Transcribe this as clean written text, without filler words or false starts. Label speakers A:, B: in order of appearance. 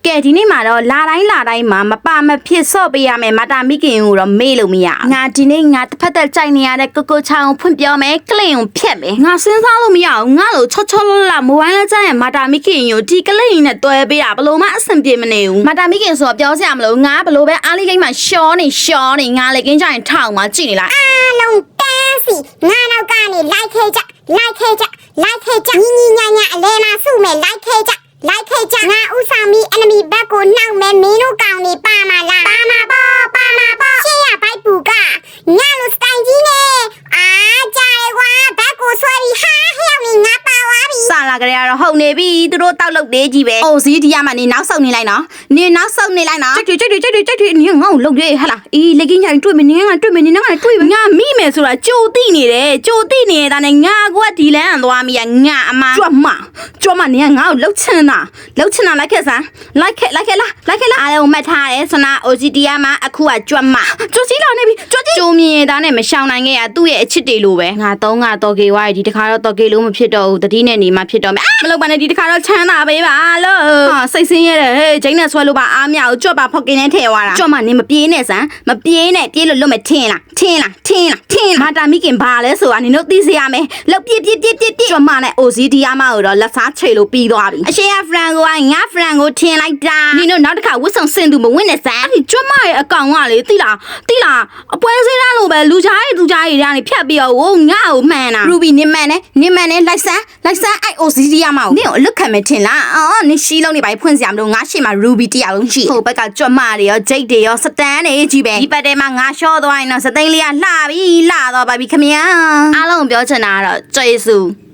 A: ကဲဒီနေ့မှာတော့လာတိုင်းမှာမပါမဖြစ်ဆော့ပေးရမယ်မာတာမိခင်ကိုတော့မေ့လို့မရငါဒီနေ့ငါတစ်ဖက်သက်ကြိုက်နေရတဲ့ကိုချောင်းဖွင့်ပြောမယ်ကလင်ကိုဖြတ်မယ်ငါစဉ်းစားလို့မရဘူးငါလို့ချောလမိုဘိုင်းလက်ကျန်မာတာမိခင်ကိုဒီကလင်နဲ့တွဲပေးတာဘလို့မှအဆင်ပြေမနေဘူးမာတာမိခင်ဆိုတော့ပြောစရာမလိုငါဘလို့ပဲအားလေးကိန်းမှာရှောနေငါလေကင်းကြရင်ထောက်မှာကြည့်နေလိုက်
B: အားလုံးတန်းစီငါနောက်ကနေလိုက်ခဲကြညီညာအလဲမှာစုမယ်လိုက်ခဲကြငါဥဆောင်ပြီး enemy ဘက်ကိုနှောက်မယ်မင်းတို့ကောင်နေပါမလားပါမှာပေါ့ရှေ့ရဘိုက်ပူကငါလိုစတိုင်ကြီးနဲ့ကြာရဲကွာဘက်ကိုဆွဲပြီးဟာဟျောက်နေငါပါသွားပြီ
A: စလာကြရတော့ဟုတ်နေပြီသူတို့တောက်လုတ်သေးကြီးပဲအိုစီဒီရမှာနေနောက်ဆုတ်နေလိုက်နော်ကြိုက်တယ်နင်ငါ့ကိုလုတ်ရဲဟလာအေးလက်ကင်းကြရင်တွေ့မနေငါတွေ့မနေငါတွေ့ငါမိမယ်ဆိုတာကြိုသိနေတယ်ဒါနဲ့ငါကဒီလန်းသွားမိရငါအမကြွမနင်ကငါ့ကိုလုတ်ချင်တာလိုက်ခဲ့စမ်းလိုက်ခဲ့လားအားလုံးမှတ်ထားတယ်ဆနာ OCD မှာအခုကကြွမစီလာနေပြီကြိုမြင်သားနဲ့မရှောင်နိုင်ခဲ့ရသူ့ရဲ့အချစ်တွေလိုပဲငါတော့ကေဝါဒီတခါတော့တော့ကေလို့မဖြစ်တော့ဘူးတတိနဲ့နေမှဖြစ်တော့မယ်မလုပ်ပါနဲ့ဒီတခါတော့ချမ်းသာပေးပါလို့စိတ်ဆင်းရဲတယ်ဟေးဂျိန်းနဲ့ဆွဲလို့ပါအားမရဘူးကြွပါဖောက်ကင်းနဲ့ထဲသွားတာကြွမနင်မပြေးနဲ့စမ်းမပြေးနဲ့ပြေးလို့လွတ်မထင်းလားမာတာမိခင်ဘာလဲဆိုတာနင်တို့သိစေရမယ်လောက်ပြေးကြွမနဲ့ OCD မှာတော့လက်စားချိတ်လို့ပြီးသွားပြီအရှိရဖရန်ကိုငါဖရန်ကိုထင်းလိုက်တာနင်တို့နောက်တစ်ခါဝတ်ဆောင်စင်သူမဝင်နဲ့စမ်းကြွမရဲ့အကောင်ကလေသိလားအပွဲစင်းရလို့ပဲလူချားတွေကနေဖြတ်ပြီးတော့ငါ့ကိုမှန်တာ Ruby နင်မှန်နဲ့လိုက်စမ်းအဲ့ OCD မှာနင်ကိုအလွတ်ခံမယ်ထင်လားနင်ရှီးလုံးနေပါဖွင့်စရာမလိုငါရှေ့မှာ Ruby တယောက်လုံးရှိဟိုဘက်ကကြွမတွေရောဂျိတ်တွေရောစတန်တွေကြီးပဲဒီပတ်ထဲမှာငါရှော့သွားရင်တော့စသိန်းလေးကလှတော့ပါပြီခမညာအားလုံးပြောချင်တာကတော့ကျေးဇူး